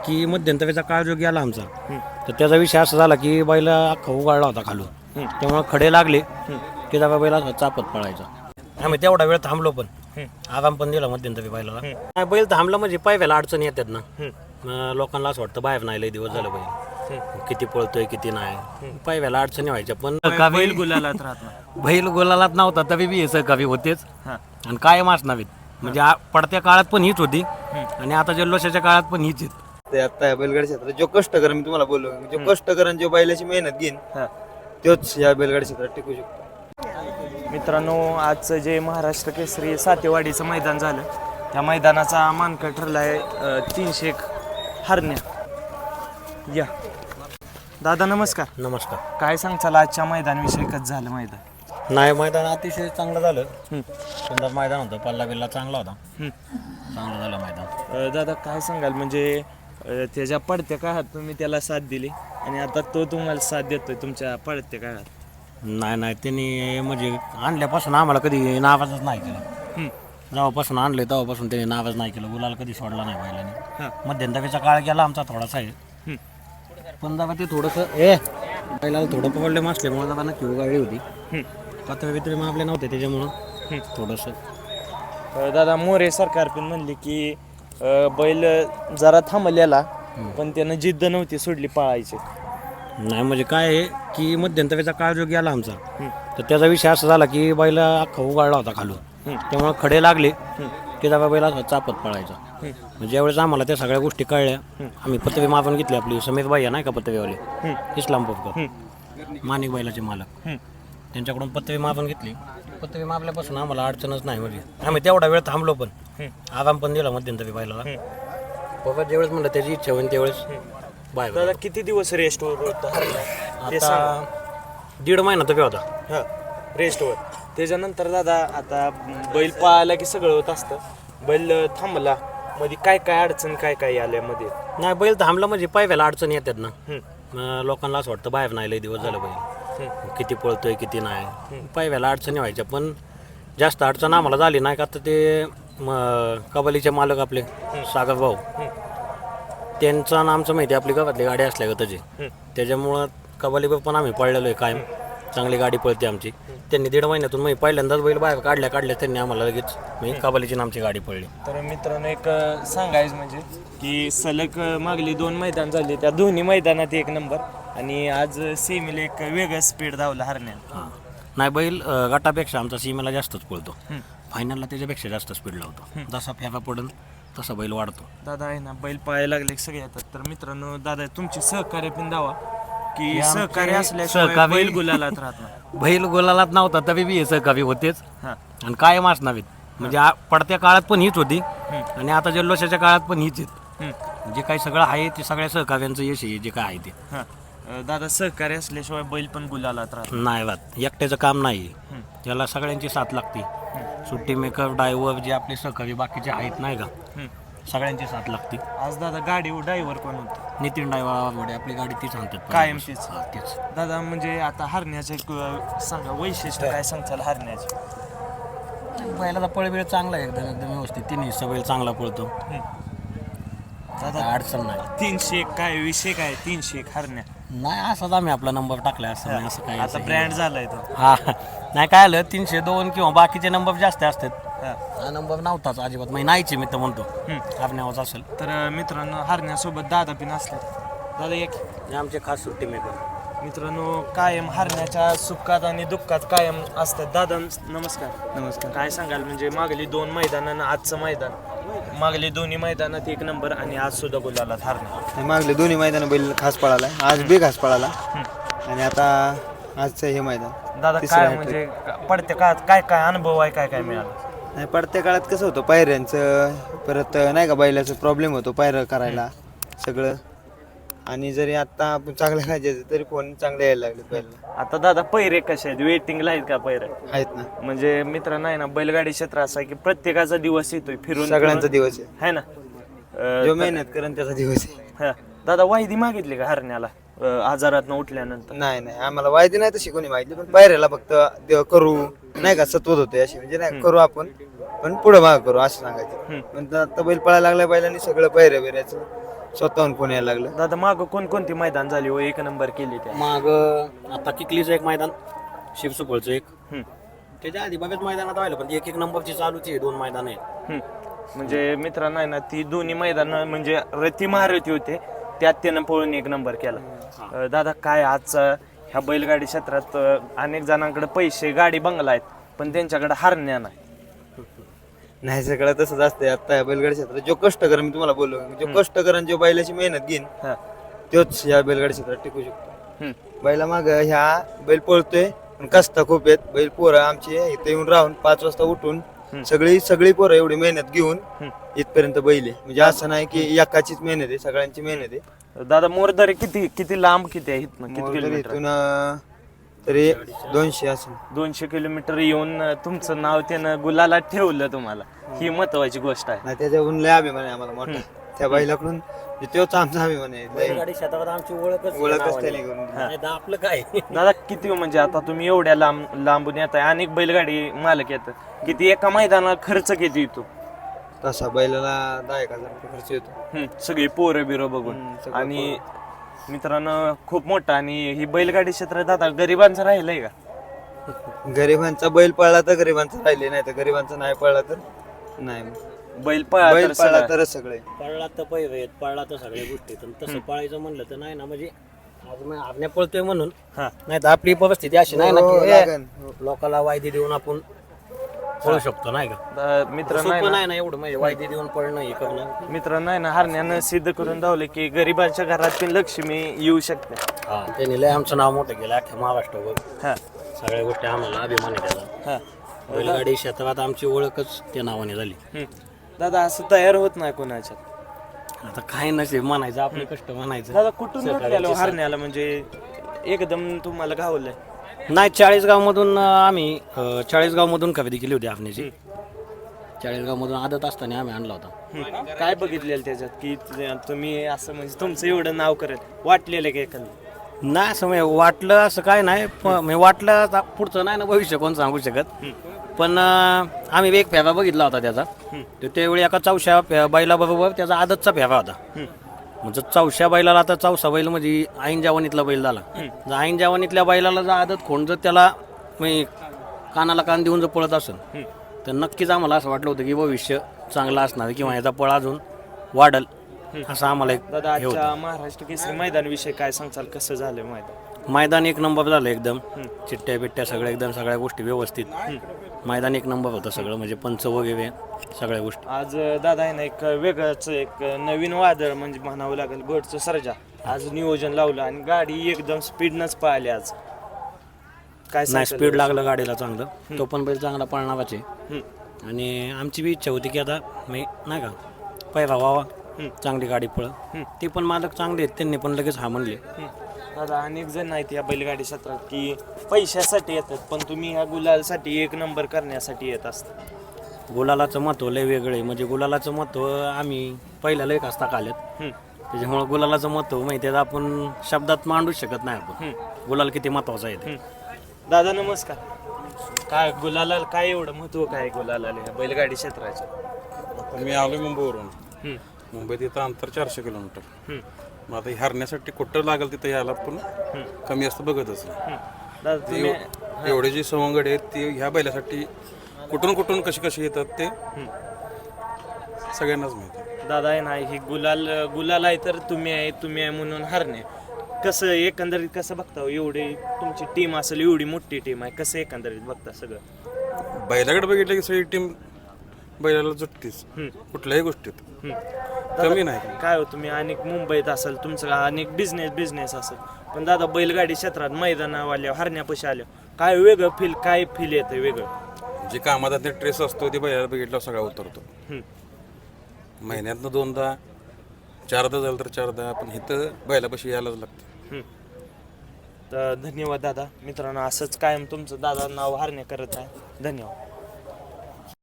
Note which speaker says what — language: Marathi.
Speaker 1: की मध्यंतरीचा काळ जो गेला आमचा तर त्याचा विषय असा झाला की बैल अख्खा उगाळला होता खालून त्यामुळे खडे लागले की जरा बैल चापत पळायचा. आम्ही तेवढा वेळ थांबलो पण आराम पण दिला मध्यंतरी बैलाला. बैल थांबला म्हणजे पायव्याला अडचणी येतात ना. लोकांना असं वाटतं बाहेर नाही लय दिवस झालं बैल किती पळतोय किती नाही पायव्याला अडचणी व्हायच्या. पण
Speaker 2: बैल गुलालात राहत
Speaker 1: बैल गोलालात नव्हता तरी बी हे कवी होतेच आणि कायम असणावीत. म्हणजे पडत्या काळात पण हीच होती आणि आता जल्लोषाच्या काळात पण हीच आहेत.
Speaker 3: ते आता बैलगाडी क्षेत्रात जो कष्ट करेन मी तुम्हाला बोललो जो कष्ट करेन जो बैलाची मेहनत घेईन तोच या बैलगाडी क्षेत्रात टिकू शकतो.
Speaker 2: मित्रांनो, आजचं जे महाराष्ट्र केसरी सातेवाडीचं मैदान झालं त्या मैदानाचा मानकं ठरला आहे 301 हरण्या. या दादा नमस्कार.
Speaker 1: नमस्कार.
Speaker 2: काय सांगचाल आजच्या मैदानाविषयी कसं झालं मैदान?
Speaker 1: नाही मैदान अतिशय चांगलं झालं. सुंदर मैदान होतं. पल्ला बिल्ला चांगला होता. चांगलं झालं मैदान.
Speaker 2: दादा काय सांगाल म्हणजे त्याच्या पडत्या काळात तुम्ही त्याला साथ दिली आणि आता तो तुम्हाला साथ देतोय तुमच्या पडत्या काळात?
Speaker 1: नाही त्यांनी म्हणजे आणल्यापासून आम्हाला कधी नावाजच नाही केलं. जेव्हापासून आणले तेव्हापासून त्यांनी नावाज नाही केलं. गुलाल कधी सोडला नाही बैलाने. मध्यंतरीचा काळ गेला आमचा थोडासा आहे पण जेव्हा ते थोडंसं बैलाला थोडं प्रॉब्लेम असल्यामुळे जेव्हा नक्की उगाळली होती पातळी बितळी मारले नव्हते त्याच्यामुळं थोडंसं.
Speaker 2: दादा मोरे सरकार पण म्हणले की बैल जरा थांबलेला पण त्यानं जिद्द नव्हती सोडली पळायची.
Speaker 1: नाही म्हणजे काय आहे की मध्यंतरीचा काळ जो गेला आमचा तर त्याचा विषय असा झाला की बैल अख्खा उगाळला होता खालून त्यामुळे खडे लागले की जरा बैल चापत पळायचा. म्हणजे ज्यावेळेस आम्हाला त्या सगळ्या गोष्टी कळल्या आम्ही पतवी मारून घेतली. आपली समीर बाई नाही का पतवीवाले इस्लामपूरकर माणिक बैलाचे मालक त्यांच्याकडून पतवी मारून घेतली. पतवी मारल्यापासून आम्हाला अडचणच नाही. म्हणजे आम्ही तेवढा वेळ थांबलो पण आराम पण दिला मध्यंतरी बैलाला. बाबा ज्यावेळेस म्हणलं त्याची इच्छा होईल त्यावेळेस बाय.
Speaker 2: दादा किती दिवस रेस्टवर होता?
Speaker 1: आता 1.5 महिना तर होता
Speaker 2: रेस्टवर. त्याच्यानंतर दादा आता बैल पळायला की सगळं होत असतं. बैल थांबला मध्ये काय काय अडचण काय काय आल्या मध्ये?
Speaker 1: नाही बैल थांबला म्हणजे पायव्याला अडचणी येतात ना. लोकांना असं वाटतं बाहेर नाही लय दिवस झालं बैल किती पळतोय किती नाही पायव्याला अडचणी व्हायच्या. पण जास्त अडचण आम्हाला झाली नाही का. तर ते कबालीचे मालक आपले सागर भाऊ त्यांचं आणि आमचं माहिती आपली गावातली गाडी असल्या का त्याची त्याच्यामुळं कबालीवर पण आम्ही पळलेलो आहे कायम. चांगली गाडी पळते आमची. त्यांनी 1.5 महिन्यातून मी पहिल्यांदाच बैल बाहेर काढल्या त्यांनी आम्हाला लगेच म्हणजे कबालीची आमची गाडी पळली.
Speaker 2: तर मित्रांनो एक सांगायचं म्हणजे की सलग मागली 2 मैदान झाली त्या दोन्ही मैदानात 1 नंबर आणि आज सेमीला एक वेगळं स्पीड धावला हरण्याला.
Speaker 1: नाही बैल गटापेक्षा आमचा सीमेला जास्तच पळतो. फायनलला त्याच्यापेक्षा जास्त स्पीड लावतो. जसा फेका पडून तसा बैल वाढतो.
Speaker 2: दादा आहे ना बैल पाहायला लागले सगळे येतात. तर मित्रांनो दादा तुमची सहकार्य पण दावा की सहकार्य असल्याशिवाय बैल गुलालात राहत नाही.
Speaker 1: बैल गोलालात नव्हता तरी बी हे सहकावी होतेच आणि कायम असणावीत. म्हणजे पडत्या काळात पण हीच होती आणि आता जल्लोषाच्या काळात पण हीच आहेत. जे काही सगळं आहे ते सगळ्या सहकार्यांचं यश आहे जे काय आहे ते.
Speaker 2: दादा सहकार्य असल्याशिवाय बैल पण गुलालात राहत
Speaker 1: नाही बात. एकट्याचं काम नाही. याला सगळ्यांची साथ लागते. सुट्टी मेकर ड्रायव्हर जे आपले सहकारी बाकीचे आहेत नाही का सगळ्यांची साथ लागते.
Speaker 2: आज दादा गाडी ड्रायव्हर कोण होतं?
Speaker 1: नितीन ड्रायव्हर आपली गाडी तीच आणतात
Speaker 2: कायम तीच.
Speaker 1: तीच.
Speaker 2: दादा म्हणजे आता हरण्याचं एक सांगा वैशिष्ट्य काय सांगताल हरण्याचे?
Speaker 1: बैलाचा पळवेळ चांगला आहे एकदम व्यवस्थित. तिन्ही बैल चांगला पळतो.
Speaker 2: दादा
Speaker 1: अडचण नाही.
Speaker 2: 301 काय विषय काय 301 हरण्या?
Speaker 1: नाही असंच आम्ही आपला नंबर टाकलाय असं नाही. असं काय
Speaker 2: आता ब्रँड झालाय तो.
Speaker 1: हा नाही काय आलं 302 किंवा बाकीचे नंबर जास्त असतात. हा नंबर नव्हताच अजिबात म्हणजे नाहीचे मी तर म्हणतो आपल्यावर असेल.
Speaker 2: तर मित्रांनो हरण्यासोबत दादा पण असले. दादा एक
Speaker 1: आमचे खास सुट्टी मेकर.
Speaker 2: मित्रांनो कायम हरण्याच्या सुखात आणि दुःखात कायम असतात. दादा नमस्कार.
Speaker 3: नमस्कार.
Speaker 2: काय सांगाल म्हणजे मागली 2 मैदान आणि आजचं मैदान? मागली दोन्ही मैदानात 1 नंबर आणि आज सुद्धा गुलालात हरण्या.
Speaker 3: मागले दोन्ही मैदान बैल खास पळाला. आज बी खास पळाला आणि आता आजचं हे मैदान.
Speaker 2: दादा काय म्हणजे पडत्या काळात काय काय अनुभव आहे काय काय मिळाला?
Speaker 3: नाही पडत्या काळात कसं होतं पायऱ्यांचं परत नाही का बैलाचं प्रॉब्लेम होतो पायऱ्या करायला सगळं. आणि जरी आता आपण चांगल्या राहायचं तरी फोन चांगले यायला लागले पहिला.
Speaker 2: आता दादा पैरे कसे आहेत? वेटिंगला आहेत का पैरे?
Speaker 3: आहेत ना.
Speaker 2: म्हणजे मित्र नाही ना बैलगाडी क्षेत्र असं आहे की प्रत्येकाचा दिवस येतोय फिरून
Speaker 3: सगळ्यांचा दिवस
Speaker 2: आहे ना.
Speaker 3: जो मेहनत करेन त्याचा दिवस आहे.
Speaker 2: दादा वाहिदी मागितली का हरण्याला आजारात उठल्यानंतर?
Speaker 3: नाही आम्हाला माहिती नाही तशी कोणी माहिती. पण पायऱ्याला फक्त करू नाही का सत्वत होते अशी म्हणजे नाही करू आपण पण पुढे माग करू असं सांगायचं. पण आता बैल पळायला लागल्या बैलांनी सगळं पायऱ्या बिऱ्याचं स्वतःहून फोन यायला लागलं.
Speaker 2: दादा मागं कोणकोणती मैदान झाली हो एक नंबर केली त्या?
Speaker 1: मग आता किकलीचं एक मैदान, शिवसुपळचं एक,
Speaker 2: हम्म,
Speaker 1: त्याच्या आधी बघत मैदानात राहिलं पण एक नंबरची चालूची आहे, 2 मैदान आहेत.
Speaker 2: हम्म. म्हणजे मित्रांनो आहे ना ती दोन्ही मैदान म्हणजे रती महारथी होते, त्यात त्यानं पळून एक नंबर केला. दादा काय आजचा ह्या बैलगाडी क्षेत्रात अनेक जणांकडे पैसे गाडी बंगला आहेत पण त्यांच्याकडे हरण्या नाही.
Speaker 3: नाही सगळं तसंच असतंय. आता बैलगाडी क्षेत्रात जो कष्टकर, मी तुम्हाला बोललो, जो कष्टकर आणि जो बैलाची मेहनत घेईन
Speaker 2: हा.
Speaker 3: तोच या बैलगाडी क्षेत्रात टिकू शकतो.
Speaker 2: हम्म,
Speaker 3: बैला माग ह्या बैल पळतोय पण कष्ट खूप आहेत. बैल पोरं आमची इथे येऊन राहून 5 वाजता उठून सगळी पोरं एवढी मेहनत घेऊन इथपर्यंत बैल आहे. म्हणजे असं नाही की एकाचीच मेहनत आहे, सगळ्यांची मेहनत आहे.
Speaker 2: दादा मोरदरे किती लांब किती आहे इथनं? किती
Speaker 3: मोरदरी
Speaker 2: किलोमीटर?
Speaker 3: इथून तरी 200 असेल.
Speaker 2: 200 किलोमीटर येऊन तुमचं नाव त्यानं गुलाला ठेवलं तुम्हाला, ही महत्वाची गोष्ट आहे.
Speaker 3: नाही त्याच्याहून लय अभिमान आहे आम्हाला मोठा त्या बैलाकडून. तोच आमचा अभिमान आहे.
Speaker 1: बैलगाडी क्षेत्रात आमची ओळखच
Speaker 3: ओळखच त्याने करून दिली.
Speaker 1: नाही तर आपलं काय.
Speaker 2: दादा किती म्हणजे आता तुम्ही एवढ्या लांबून येताय, अनेक बैलगाडी मालक येतात, किती एका मैदानाला खर्च किती येतो?
Speaker 3: तसा बैलाला 10,000 रुपये खर्च येतो.
Speaker 2: सगळी पोरं बिरं बघून.
Speaker 3: सगळं
Speaker 2: आणि मित्रांनो खूप मोठा. आणि ही बैलगाडी क्षेत्र दादा गरिबांचं राहिलंय का?
Speaker 3: गरिबांचा बैल पळला तर गरिबांचा राहिले, नाही तर गरिबांचा नाही पळला तर नाही.
Speaker 2: बैल पळा
Speaker 3: बैल
Speaker 2: तर
Speaker 3: पळला
Speaker 2: सगळं.
Speaker 3: तरच सगळे.
Speaker 1: पळला तर पैरे आहेत, पळला तर सगळ्या गोष्टी आहेत. आणि तसं पळायचं म्हणलं तर नाही ना, म्हणजे आपल्या पळतोय म्हणून
Speaker 2: हा.
Speaker 1: नाही तर आपली परिस्थिती अशी नाही ना
Speaker 3: हो,
Speaker 1: की
Speaker 3: लागन.
Speaker 1: लोकाला वायदी देऊन आपण पळू शकतो, नाही का?
Speaker 2: मित्रांनो
Speaker 1: सोपं नाही ना एवढं, म्हणजे वायदी देऊन पळणं हे करणं.
Speaker 2: मित्रांनो आहे ना हरण्यानं सिद्ध करून दावलं की गरिबांच्या घरात पण लक्ष्मी येऊ शकते.
Speaker 1: हा, त्यांनी लय आमचं नाव मोठं केलं अख्ख्या महाराष्ट्रावर.
Speaker 2: हा
Speaker 1: सगळ्या गोष्टी आम्हाला अभिमान आहे त्याचा.
Speaker 2: हा.
Speaker 1: बैलगाडी क्षेत्रात आमची ओळखच त्या नावाने झाली.
Speaker 2: दादा असं तयार होत नाही कोणाच्यात.
Speaker 1: आता काय नसेल म्हणायचं, आपले कष्ट म्हणायचं.
Speaker 2: दादा कुठून भेटलेलो हरण्याला, म्हणजे एकदम तुम्हाला गावलंय?
Speaker 1: नाही, 40गाव मधून आम्ही 40गाव मधून खरेदी केली होती आपणची. 40गाव मधून आदत असताना आम्ही आणला होता.
Speaker 2: काय बघितलेलं त्याच्यात की तुम्ही असं म्हणजे तुमचं एवढं नाव करत वाटलेलं का एखादं?
Speaker 1: नाही असं म्हणजे वाटलं असं काय नाही, म्हणजे वाटलं आता पुढचं नाही ना, भविष्य कोण सांगू शकत. पण आम्ही एक फेरा बघितला होता त्याचा. तर त्यावेळी एका 4शा बैलाबरोबर त्याचा आदतचा फेरा होता. म्हणजे 4शा बैलाला, आता 4सा बैल म्हणजे ऐन जवानीतला बैल झाला. जर ऐन जवानीतल्या बैलाला जर आदत खोंड जर त्याला म्हणजे कानाला कान देऊन जर पळत असेल तर नक्कीच आम्हाला असं वाटलं होतं की भविष्य चांगलं असणार किंवा याचा पळ अजून वाढल, असं आम्हाला एक
Speaker 2: दादा
Speaker 1: हे होतं.
Speaker 2: आजच्या महाराष्ट्र केसरी मैदान विषय काय सांगचाल, कसं झालं मैदान?
Speaker 1: मैदान एक नंबर झालं एकदम. चिट्ट्या बिट्ट्या सगळ्या एकदम, सगळ्या गोष्टी व्यवस्थित. मैदान एक नंबर होतं सगळं, म्हणजे पंच वगैरे सगळ्या गोष्टी.
Speaker 2: आज दादा आहे ना एक वेगळंच एक नवीन वादळ म्हणजे म्हणावं लागेल, गोडचं सर्जा आज नियोजन लावलं आणि गाडी एकदम स्पीडनंच पळाली आज. काय
Speaker 1: नाही,
Speaker 2: सांगचाल?
Speaker 1: स्पीड लागलं गाडीला चांगलं. तो पण बैल चांगला पळणाराच आहे. आणि आमची बी इच्छा होती की आता मी नाही का पैरा व्हावा, चांगली गाडी पळ. ते पण मालक चांगले आहेत, त्यांनी पण लगेच हा म्हणले.
Speaker 2: दादा अनेक जण आहेत या बैलगाडी क्षेत्रात की पैशासाठी येतात, पण तुम्ही ह्या गुलालसाठी एक नंबर करण्यासाठी येत असता.
Speaker 1: गुलालाचं महत्त्व लय वेगळं आहे. म्हणजे गुलालाचं महत्त्व आम्ही पहिल्याला एक असता काल्यात, त्याच्यामुळं गुलालाचं महत्त्व माहिती आहे, आपण शब्दात मांडूच शकत नाही आपण गुलाल किती महत्त्वाचं आहे ते.
Speaker 2: दादा नमस्कार. काय गुलाला काय एवढं महत्व काय गुलाला बैलगाडी क्षेत्राचं?
Speaker 4: आता मी आलो मुंबईवरून. मुंबईत इथं अंतर 400 किलोमीटर. मग आता हरण्यासाठी कुठं लागेल तिथं यायला पण कमी असतं बघतच.
Speaker 2: दादा तुम्ही
Speaker 4: एवढे जे सवंगड आहेत ते ह्या बैलासाठी कुठून कुठून कशी येतात ते सगळ्यांनाच माहिती आहे.
Speaker 2: दादा आहे ना ही गुलाल आहे तर तुम्ही आहे म्हणून हरणे. कसं एकंदरीत कसं बघता हो? एवढी तुमची टीम असेल, एवढी मोठी टीम आहे, कसं एकंदरीत बघता सगळं?
Speaker 4: बैलाकडे बघितलं की सगळी टीम बैलाला जुटतीच कुठल्याही गोष्टीत, कमी नाही.
Speaker 2: काय हो तुम्ही अनेक मुंबईत असेल, तुमचं अनेक बिझनेस असेल, पण दादा बैलगाडी क्षेत्रात मैदानावाल्या हरण्यापाशी आल्या काय वेगळं काय फील येतं वेगळं?
Speaker 4: जे कामात ते ट्रेस असतो ते बैलाला बघितल्यावर सगळा उतरतो. महिन्यातनं 2दा 4दा झालं तर 4दा, पण इथं बैलापाशी यायलाच लागतं.
Speaker 2: तर धन्यवाद दादा. मित्रांनो असंच कायम तुमचं दादा नाव हरणे करत आहे. धन्यवाद.